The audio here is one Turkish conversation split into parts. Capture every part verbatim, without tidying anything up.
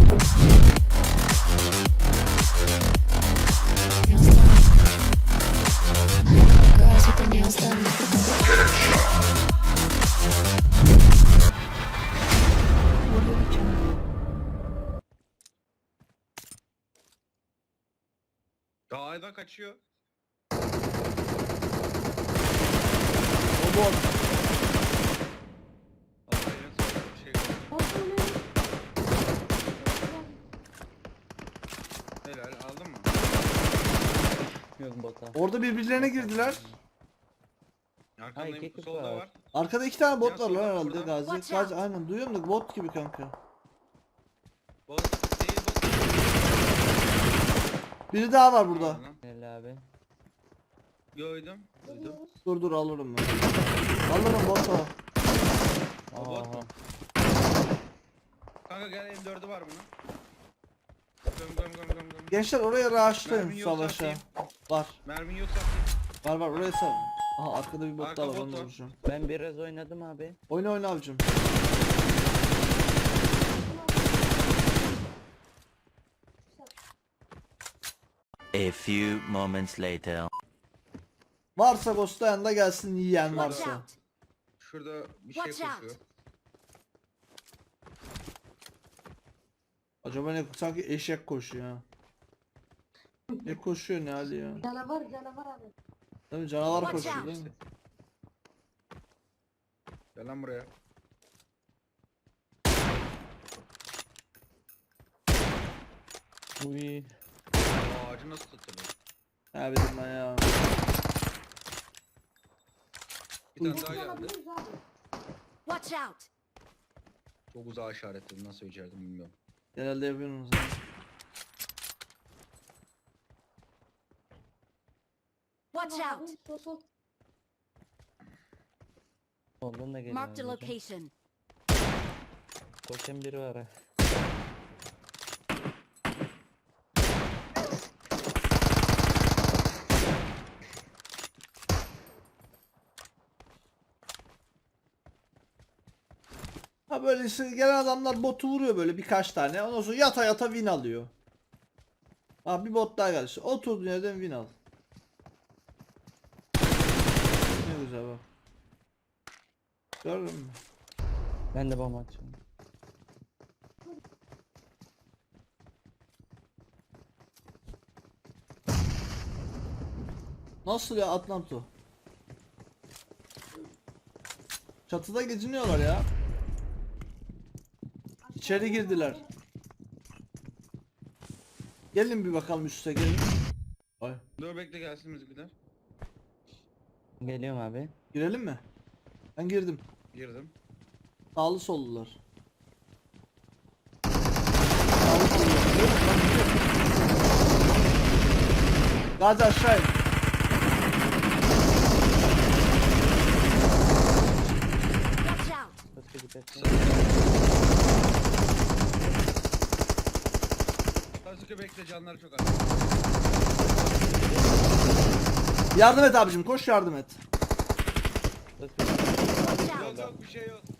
Girls with their nails done. Dağdan kaçıyor. O bot. Allah'ın sonra bir şey yok. Helal aldın mı? Yok bota. Orada birbirlerine girdiler. Arkandayım, Ay, keklik solda var. var. Arkada iki tane bot Ya var lan solda, herhalde burada. Gazi. Watch Gazi out. aynen duyuyorum da bot gibi kanka. Bot değil bot. Biri daha var burada. Lan, Helal abi. Gördüm. Duydum. Dur dur alırım ben. Alırım bot o. O bot mu? Aha. Kanka gel M dördü var bunun. Göm göm göm göm göm. Gençler oraya raşlayın Mermin yoksa savaşa. atayım. Var. Mermin yoksa atayım. Var var oraya sal. Aha arkada bir bot Arka daha var bot onu da var. vuracağım. Ben biraz oynadım abi. Oyna oyna abicim. A few moments later. Varsa ghostlayan da gelsin yiyen Watch varsa. out. Şurada bir şey Watch out. koşuyor. Acaba ne sanki eşek koşuyor ha. Ne koşuyor ne hali ya? Canavar canavar abi. Değil mi canavar Watch koşuyor out. değil mi? Gel lan buraya. Uy. Aa, ağacı nasıl tutulur? Ha bildim ben ya. Bir tane daha geldi. Alabiliriz abi. Watch out. Çok uzağa işaretledim, nasıl becerdim bilmiyorum. Genelde yapıyorsunuz. ha. Watch Abi, out. sol sol. Soldan da geliyor. Marked a abi. location. Koşan biri var ha. Ha böylesi gelen adamlar botu vuruyor böyle birkaç tane. Ondan sonra yata yata win alıyor. Ha bir bot daha geldi. Oturduğun yerden win al. Ne güzel bak. Gördün mü? Ben de bomba açıyorum. Nasıl ya Atlanto? Çatıda geziniyorlar ya. İçeri girdiler. Gelin bir bakalım üste gelin. Ay. Dur bekle gelsin bizimkiler. Geliyorum abi. Girelim mi? Ben girdim. Girdim. Sağlı sollular. Sağlı sollular. Gazi aşağı in. Watch out. Başka bir kaçın. Sasuke bekle, canları çok az. Yardım et abicim koş yardım et. Watch Yok out. yok bir şey yok.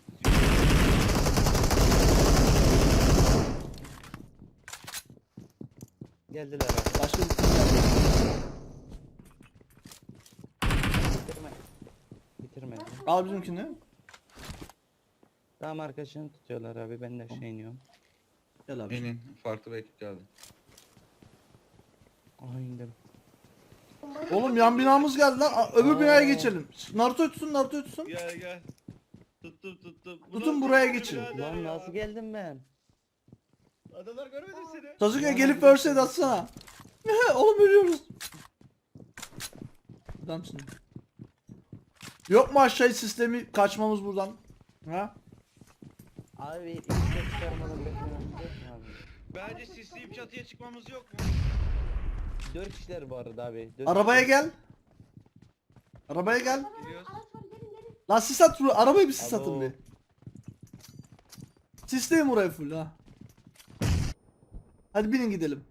Geldiler abi. Başka bir şey geldi. Bitirme. Bitirme. Al bizimkini. Tam arkadaşını tutuyorlar abi. Ben de aşağı iniyorum. Gel abi. Benim farklı bir ekip geldi. Aha indim. Oğlum yan binamız geldi lan. Aa, öbür Aa. binaya geçelim. Naruto tutsun Naruto tutsun. Gel gel. Tuttum tuttum. Bu Tutun nasıl buraya bir geçin. birader Lan ya? nasıl geldim ben? Adamlar görmedi seni. Sasuke gelip verse de atsana. Oğlum ölüyoruz. Adamsın. Yok mu aşağı sistemi kaçmamız buradan? Ha? Abi ilk de çıkarmadan beklememiz yok mu abi? Bence sisleyip çatıya çıkmamız yok mu? Dört kişiler bu arada abi. Dört Arabaya kişiler. gel. Arabaya gel. Gidiyoruz. Araç var gelin gelin. Lan sis at buraya. Arabayı bir sis Alo. atın bir. Sisleyin burayı full ha. Hadi binin gidelim.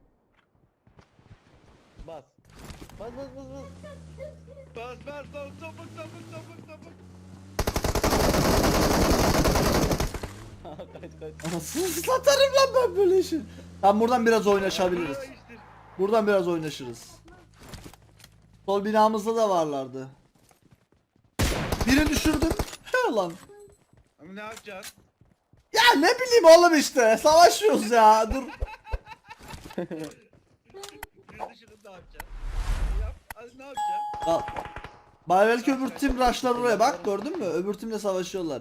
Bas. Bas bas bas bas. Bas bas bas topuk topuk topuk topuk. Kaç kaç. Anasını satarım lan ben böyle işi. Tamam buradan biraz oynaşabiliriz. Buradan biraz oynaşırız. Sol binamızda da varlardı. Biri düşürdüm. He lan. Ama ne yapacaksın? Ya ne bileyim oğlum işte. Savaşıyoruz ya. Dur. Bir dışını ne yapacaksın? Yap. Hadi ne yapacaksın? Al. Bari belki öbür tim rushlar oraya bak gördün mü? Öbür timle savaşıyorlar.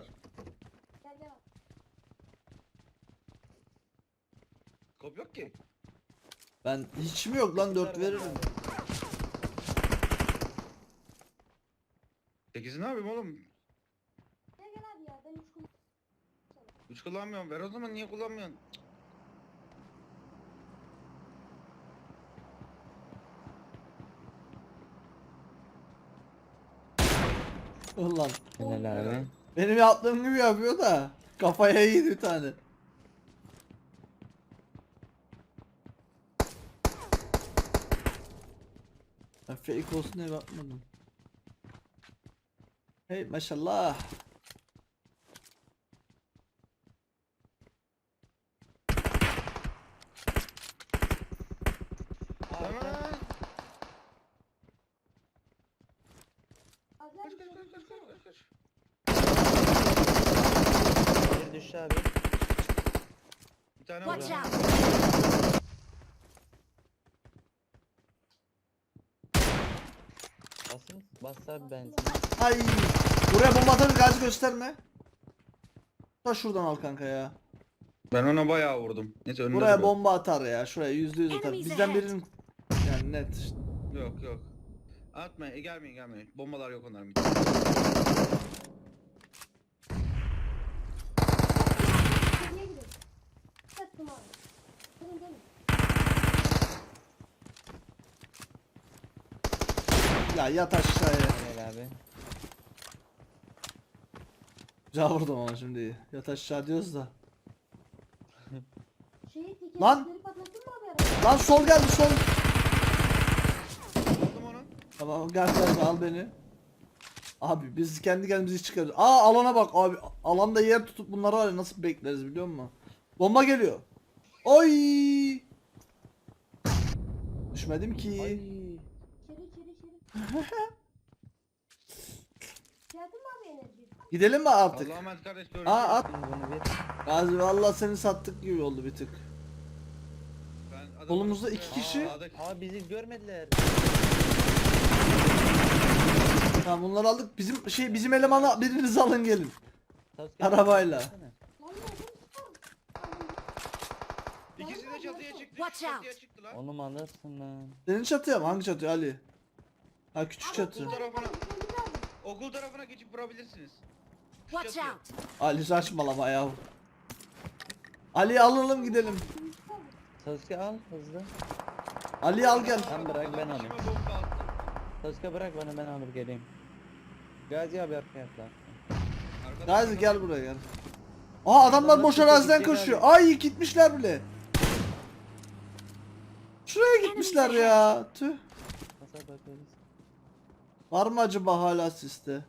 Kop yok ki. Ben hiç mi yok lan dört veririm. sekizi ne yapayım oğlum? üç kullanmıyorum. Ver o zaman niye kullanmıyorsun? Ulan. Helal abi. Benim yaptığım gibi yapıyor da. Kafaya yedi bir tane. Ben fake olsun diye bakmadım. Hey maşallah. Tamam. Kaç kaç kaç kaç kaç kaç. Bir düştü abi. Bir tane Watch var. out! Basın. Bas abi benzin. Ay. Buraya bomba atar gaz gösterme. Ta şuradan al kanka ya. Ben ona bayağı vurdum. Neyse önünde Buraya duruyor. bomba atar ya. Şuraya yüzde yüz atar. Enemies Bizden ahead. birinin yani net işte. Yok yok. Atmayın. E, gelmeyin gelmeyin. Bombalar yok onların. Ya yat aşağıya. Helal abi. Güzel vurdum ama şimdi iyi. Yat aşağı diyoruz da. Lan! Lan! Lan sol geldi sol. Aldım onu. Tamam gel gel al beni. Abi biz kendi kendimizi çıkarız. Aa alana bak abi. Alanda yer tutup bunları var ya nasıl bekleriz biliyor musun? Bomba geliyor. Oy! Düşmedim ki. Ay. Gidelim mi artık? Allah'a emanet kardeş. Görüşürüz. Aa at. Şimdi bunu bir. Gazi vallahi seni sattık gibi oldu bir tık. Ben adamın Kolumuzda üstüne- iki kişi. Aa, sağdaki- Aa bizi görmediler. Tamam bunları aldık. Bizim şey bizim elemana biriniz alın gelin. Sasuke, Arabayla. baksana. İkisi de çatıya çıktı. Watch ikisi çatıya out. çıktı lan. Onu mu alırsın lan? Senin çatıya mı? Hangi çatı Ali? Ha küçük çatı. Okul tarafına. Okul tarafına geçip vurabilirsiniz. Şu Watch çatıya. out! Ali saçmalama ya. Ali alalım gidelim. Sasuke al hızlı. Ali al gel. Sen bırak ben Adam alayım. içime bomba attı. Sasuke bırak bana ben alıp geleyim. Gazi abi arkaya atla. Arkada- Gazi gel buraya gel. Aa adamlar Adamlar boş çatıya araziden gidecek koşuyor. abi. Ay gitmişler bile. Şuraya gitmişler ya. Tüh. Nasıl bakarız? Var mı acaba hala siste?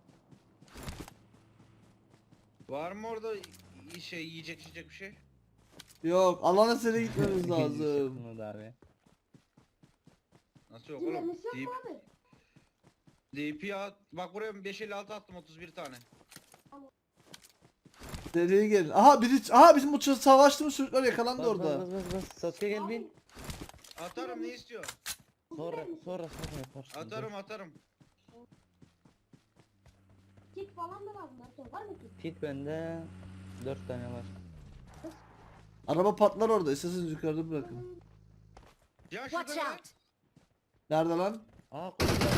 Var mı orada y- şey yiyecek içecek bir şey? Yok alana seni gitmemiz lazım. Bunu da abi. Nasıl yok oğlum? Deyip D P at. Bak buraya beş elli altı attım otuz bir tane. Seriye gelin. Aha biri aha bizim bu çocuk savaştığımız çocuklar yakalandı Bas bas orada. bas bas bas. Sasuke gel bin. Atarım ne istiyor? Sonra sonra sonra yaparsın. Atarım atarım. Kit falan da lazım. Naruto. Var mı kit? Kit bende dört tane var. Araba patlar orada. İsterseniz yukarıda bırakın. Ya Watch şurada out! Nerede lan? Aa koşuyor.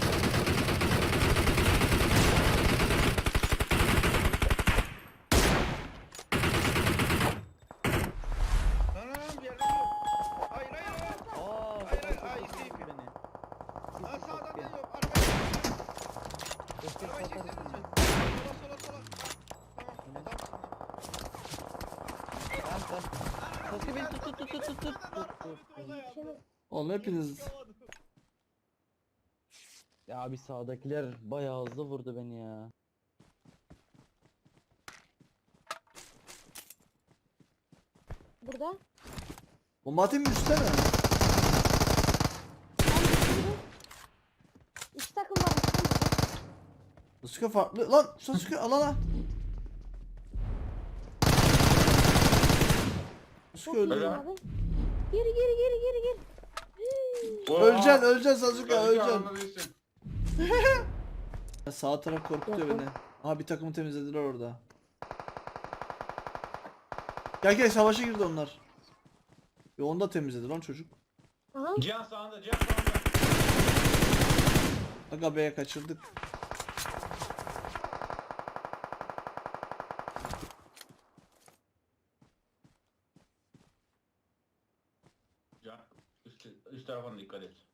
Lan lan lan bir yerde yok. Hayır hayır hayır. Aa Hayır, hayır, Sasuke hayır, tuttu isteyeyim. beni. Lan Sisi sağdan da Sasuke. yok. Arabayı Sasuke arabayı satarsın çekseniz mi? ya. Sola sola sola. Tamam adamsın lan. Tamam tamam. Sasuke beni tut tut tut tut tut tut tut tut. Oğlum hepiniz. Ya abi sağdakiler bayağı hızlı vurdu beni ya. Burada. Bomba atayım mı üstte mi? Ben düşürdüm. İki takım var. iki takım. Sasuke farklı. Lan Sasuke al al al. Sasuke Çok öldü. iyi Helal. abi. Geri geri geri geri geri. Öleceksin öleceksin Sasuke öleceksin. öleceksin. Ya sağ taraf korkutuyor Yakın. beni. Aha bir takımı temizlediler orada. Gel gel savaşa girdi onlar. Ve onu da temizledi lan çocuk. Aha. Cihan sağında, Cihan sağında. Aga B'ye kaçırdık. Cihan üst, üst tarafına dikkat et.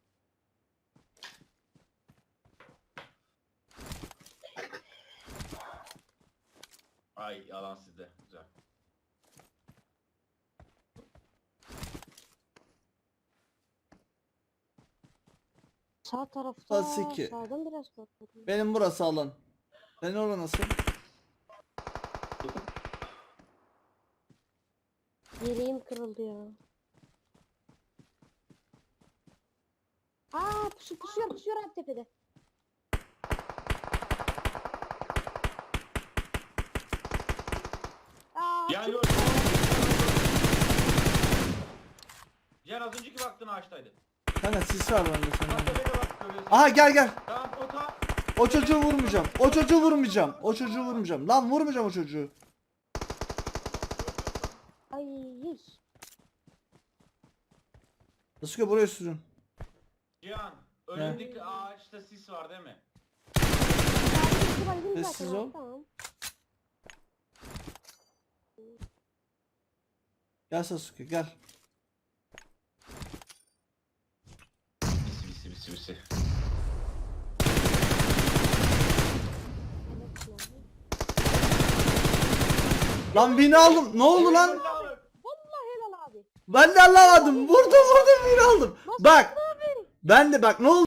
Ay yalan sizde. Güzel. Sağ tarafta. Sasuke. Sağdan biraz korkmadım. Benim burası alan. Senin orada nasıl? Yeleğim kırıldı ya. Aa pusu pusuyor pusuyor abi tepede. Aa, Cihan çok- gör. Cihan az önceki baktığın ağaçtaydı. Kanka sis var bende Bak senin. tepede bak. görüyorsun. Aha gel gel. Tamam o ta. O çocuğu vurmayacağım. O çocuğu vurmayacağım. O çocuğu vurmayacağım. Lan vurmayacağım o çocuğu. Ay yüz. Sasuke buraya sürün. Cihan önündeki ağaçta sis var değil mi? Sessiz ol. Tamam. Gel Sasuke gel. Bisi bisi bisi bisi. Lan beni aldım. Ne oldu lan? Vallahi helal abi. Ben de anlamadım. Vurdum vurdum beni aldım. Bak. Ben de bak ne oldu?